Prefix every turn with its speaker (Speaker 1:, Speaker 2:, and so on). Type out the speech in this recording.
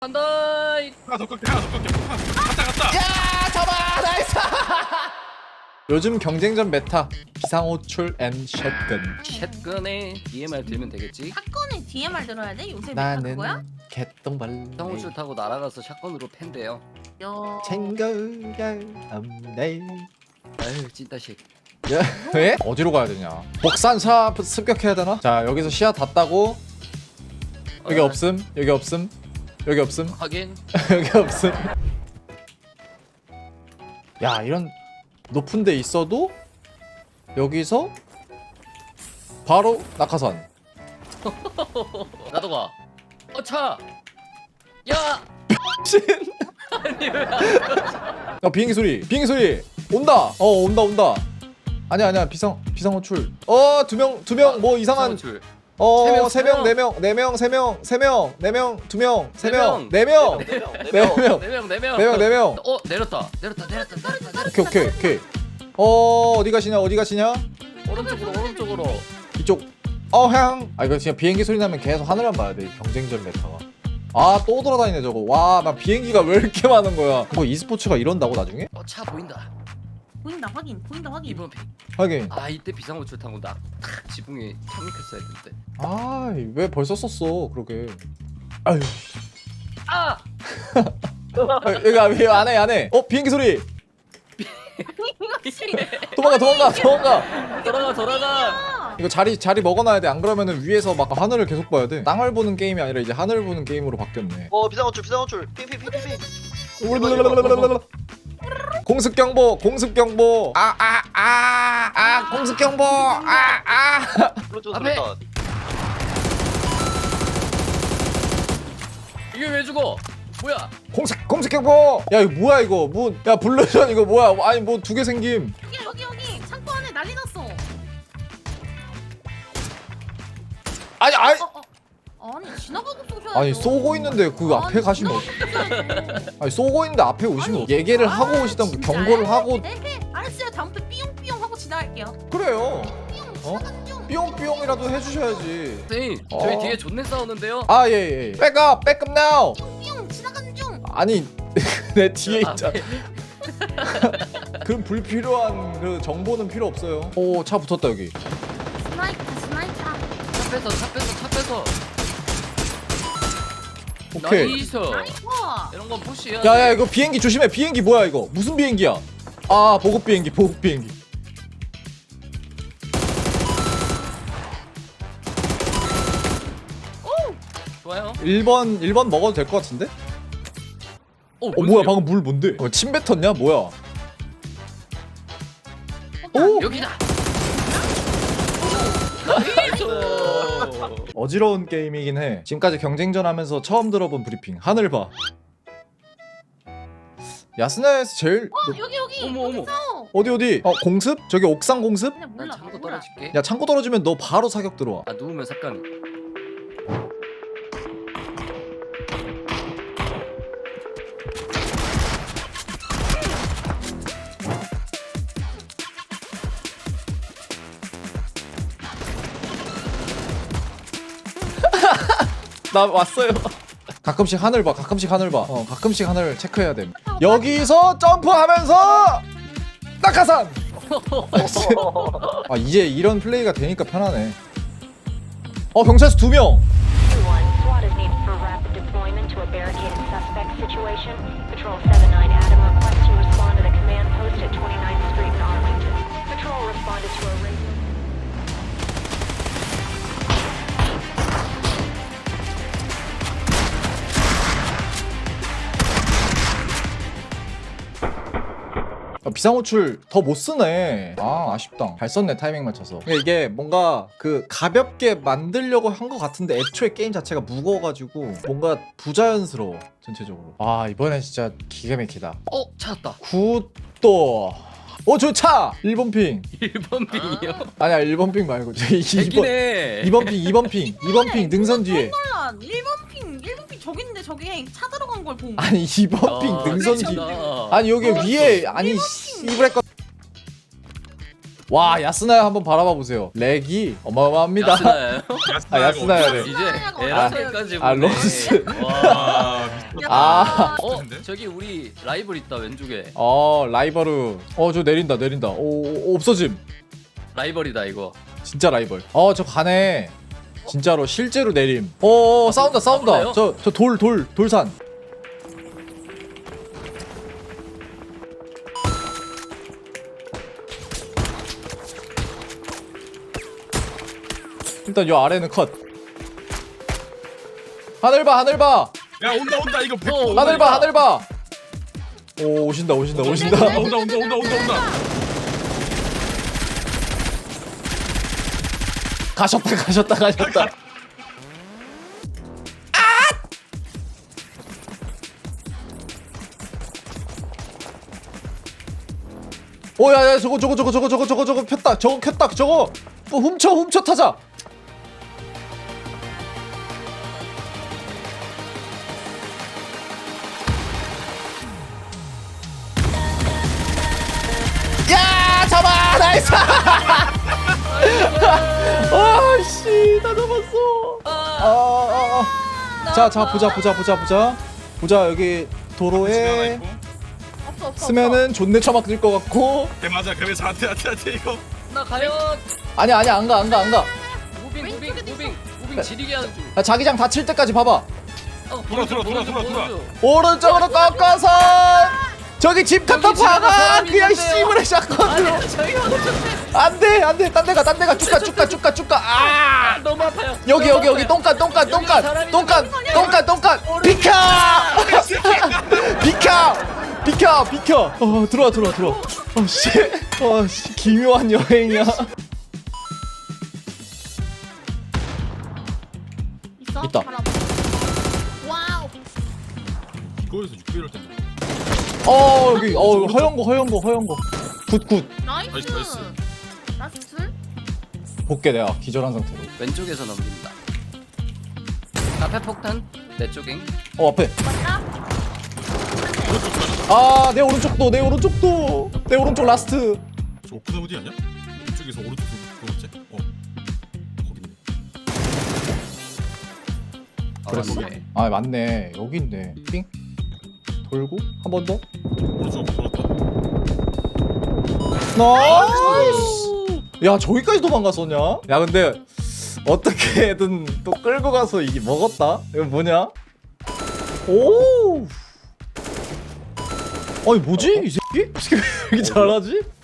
Speaker 1: 간다.
Speaker 2: 하나 더 꺾게 하나 더 꺾게 갔다
Speaker 3: 야 잡아 나이스. 요즘 경쟁전 메타 비상호출 앤 샷건.
Speaker 1: 샷건에 DMR 들면 되겠지.
Speaker 4: 사건에 DMR 들어야 돼? 요새 메타
Speaker 3: 나는
Speaker 4: 그거야?
Speaker 3: 개똥벌레
Speaker 1: 상호출 타고 날아가서 샷건으로 팬대요.
Speaker 4: 야.
Speaker 3: 챙겨야 없네.
Speaker 1: 아유 찐따식.
Speaker 3: 야, 왜? 어디로 가야 되냐? 복산사 습격해야 되나? 자 여기서 시야 다 따고 여기 없음 여기 없음 여기 없음
Speaker 1: 확인.
Speaker 3: 여기 없음. 야 이런 높은 데 있어도 여기서 바로 낙하산.
Speaker 1: 나도 가. 차. 야.
Speaker 3: 신.
Speaker 1: 아니 왜?
Speaker 3: 야 비행기 소리 온다. 온다. 아니야 비상호출. 두 명 뭐 이상한.
Speaker 1: 상호출.
Speaker 3: 세 명, 네 명, 4명, 2명, 2명, 3명, 4명, 4명.
Speaker 1: 내렸다.
Speaker 3: 오케이. 어디 가시냐?
Speaker 1: 오른쪽으로.
Speaker 3: 이쪽. 이거 진짜 비행기 소리 나면 계속 하늘만 봐야 돼. 경쟁전 메타가. 또 돌아다니네 저거. 와, 나 비행기가 왜 이렇게 많은 거야? 뭐 e스포츠가 이런다고 나중에?
Speaker 1: 차 보인다.
Speaker 4: 보인다 확인.
Speaker 1: 2번 픽.
Speaker 3: 하긴.
Speaker 1: 이때 비상호출 타고 나 지붕에 착륙했어야 되는데.
Speaker 3: 왜 벌써 썼어? 그러게. 아유. 여기 안에. 비행기 소리. 도망가.
Speaker 1: 돌아가.
Speaker 3: 이거 자리 먹어놔야 돼. 안 그러면은 위에서 막 하늘을 계속 봐야 돼. 땅을 보는 게임이 아니라 이제 하늘을 보는 게임으로 바뀌었네.
Speaker 5: 비상호출 핑핑핑핑.
Speaker 3: 공습 경보. 공습 경보.
Speaker 1: 앞에. 이게 왜 죽어? 뭐야?
Speaker 3: 공습 경보. 야 이거 뭐야 이거? 야 블루전 이거 뭐야? 아니 뭐 두 개 생김.
Speaker 4: 여기 창고 안에 난리 났어.
Speaker 3: 아니
Speaker 4: 아니 지나가고 쏘셔야죠.
Speaker 3: 아니 쏘고 있는데 그 앞에 가시면 아니 쏘고 있는데 앞에 오시면 얘기를 하고 오시던 그
Speaker 4: 진짜요?
Speaker 3: 경고를 하고.
Speaker 4: 네. 알았어요. 다음부터 삐용삐용 하고 지나갈게요.
Speaker 3: 그래요.
Speaker 4: 삐용 지나가는 중.
Speaker 3: 삐용삐용이라도 해주셔야지.
Speaker 1: 선생님 저희 뒤에 존내 싸우는데요.
Speaker 3: 예. 백업 now.
Speaker 4: 삐용 지나가는 중.
Speaker 3: 아니 내 뒤에 있잖아.
Speaker 1: 앞에.
Speaker 3: 그럼 불필요한 그 정보는 필요 없어요. 차 붙었다 여기.
Speaker 4: 스나이퍼.
Speaker 1: 차 빼서.
Speaker 3: 오케이.
Speaker 1: 나이스.
Speaker 4: 와.
Speaker 1: 이런 건 푸시야.
Speaker 3: 야야 이거 비행기 조심해. 비행기 뭐야 이거? 무슨 비행기야? 보급 비행기.
Speaker 1: 좋아요.
Speaker 3: 1번 먹어도 될 것 같은데? 뭐야 방금 물 뭔데? 침 뱉었냐? 뭐야?
Speaker 1: 여기다.
Speaker 3: 어지러운 게임이긴 해. 지금까지 경쟁전 하면서 처음 들어본 브리핑. 하늘 봐. 야스나에서 제일
Speaker 4: 여기.
Speaker 1: 어머.
Speaker 4: 여기서.
Speaker 3: 어디? 공습? 저기 옥상 공습?
Speaker 4: 그냥
Speaker 1: 난
Speaker 4: 몰라.
Speaker 1: 창고
Speaker 4: 몰라.
Speaker 1: 떨어질게.
Speaker 3: 야 창고 떨어지면 너 바로 사격 들어와.
Speaker 1: 누우면 삭간.
Speaker 3: 나 왔어요. 가끔씩 하늘 봐. 가끔씩 하늘 체크해야 돼. 여기서 점프하면서 낙하산. 이제 이런 플레이가 되니까 편하네. 경찰서 2명.
Speaker 6: One, SWAT is needed for rapid deployment to a barricaded suspect situation. Patrol 79 Adam requests you respond to the command post at 29th Street in Arlington. Patrol responded to a raid.
Speaker 3: 비상호출 더 못 쓰네. 아쉽다. 잘 썼네 타이밍 맞춰서. 이게 뭔가 그 가볍게 만들려고 한 것 같은데 애초에 게임 자체가 무거워가지고 뭔가 부자연스러워 전체적으로. 이번엔 진짜 기가 막히다.
Speaker 1: 찾았다.
Speaker 3: 굿도. 저 차! 1번 핑.
Speaker 1: 1번 빙이요.
Speaker 3: 아니야 1번 핑 말고
Speaker 1: 2번.
Speaker 3: 2번 핑 능선 뒤에.
Speaker 4: 몰라. 1번 핑 저기 있는데 저기 차 들어간 걸 본.
Speaker 3: 아니 2번 핑 능선 뒤. 아니 여기 위에 아니 씨브레 거. 와 야스나야 한번 바라봐 보세요. 렉이 어마어마합니다.
Speaker 1: 야스나요?
Speaker 3: 야스나야 돼.
Speaker 1: 이제 에라까지
Speaker 3: 로스.
Speaker 1: 와.
Speaker 3: 아.
Speaker 2: 같은데?
Speaker 1: 저기 우리 라이벌 있다 왼쪽에.
Speaker 3: 라이벌우. 저 내린다. 오, 없어짐.
Speaker 1: 라이벌이다 이거.
Speaker 3: 진짜 라이벌. 저 가네. 진짜로 실제로 내림. 싸운다.
Speaker 1: 그래요?
Speaker 3: 저 돌산. 일단 요 아래는 컷. 하늘 봐.
Speaker 2: 야 온다 이거 100%
Speaker 1: 어,
Speaker 3: 하늘 봐. 오, 오신다.
Speaker 2: 온다.
Speaker 3: 가셨다. 오야야 저거 폈다. 저거 켰다. 저거 뭐 훔쳐 타자. 야 잡아 나이스. 아씨 다 잡았어. 자 보자 여기 도로에
Speaker 4: 없어.
Speaker 3: 쓰면은 존내 처맞을 것 같고.
Speaker 2: 네 맞아 그래서 한테 이거
Speaker 1: 나 과연
Speaker 3: 아니야 안 가.
Speaker 1: 무빙 지리게 하는 중.
Speaker 3: 야, 자기장 닫힐 때까지 봐봐.
Speaker 2: 돌아.
Speaker 3: 오른쪽으로 꺾어서 저기 집 갖다
Speaker 1: 여기 집에
Speaker 3: 박아.
Speaker 1: 사람이
Speaker 3: 그냥
Speaker 1: 있는데요.
Speaker 3: 씨부레 샷건으로.
Speaker 1: 아니 저희가 놓쳤대.
Speaker 3: 안돼 딴 데가 쭉가. 아
Speaker 1: 너무 아파요.
Speaker 3: 여기 똥간 비켜. 들어와. 씨 기묘한 여행이야.
Speaker 4: 있어?
Speaker 3: 있다.
Speaker 4: 바로 앞에. 와우.
Speaker 2: 이거에서 6개월 텐데
Speaker 3: 여기 허연 거 굿
Speaker 4: 나이스.
Speaker 2: 나이스.
Speaker 4: 나이스.
Speaker 3: 볼게. 내가 기절한 상태로.
Speaker 1: 왼쪽에서 넘긴다. 카페 폭탄 내 쪽에.
Speaker 3: 앞에.
Speaker 4: 맞다.
Speaker 3: 내 오른쪽도 내 오른쪽 라스트.
Speaker 2: 저 오픈 어디 아니야? 이쪽에서 오른쪽 그거지? 거기
Speaker 1: 그랬어?
Speaker 3: 맞네. 여기 있네. 삥 돌고 한 번 더.
Speaker 2: 오른쪽 돌았다
Speaker 3: 나이스. 야 저기까지 도망갔었냐? 야 근데 어떻게든 또 끌고 가서 이게 먹었다. 이거 뭐냐? 오. 아니 뭐지 이 새끼? 이 새끼 왜 이렇게 잘하지?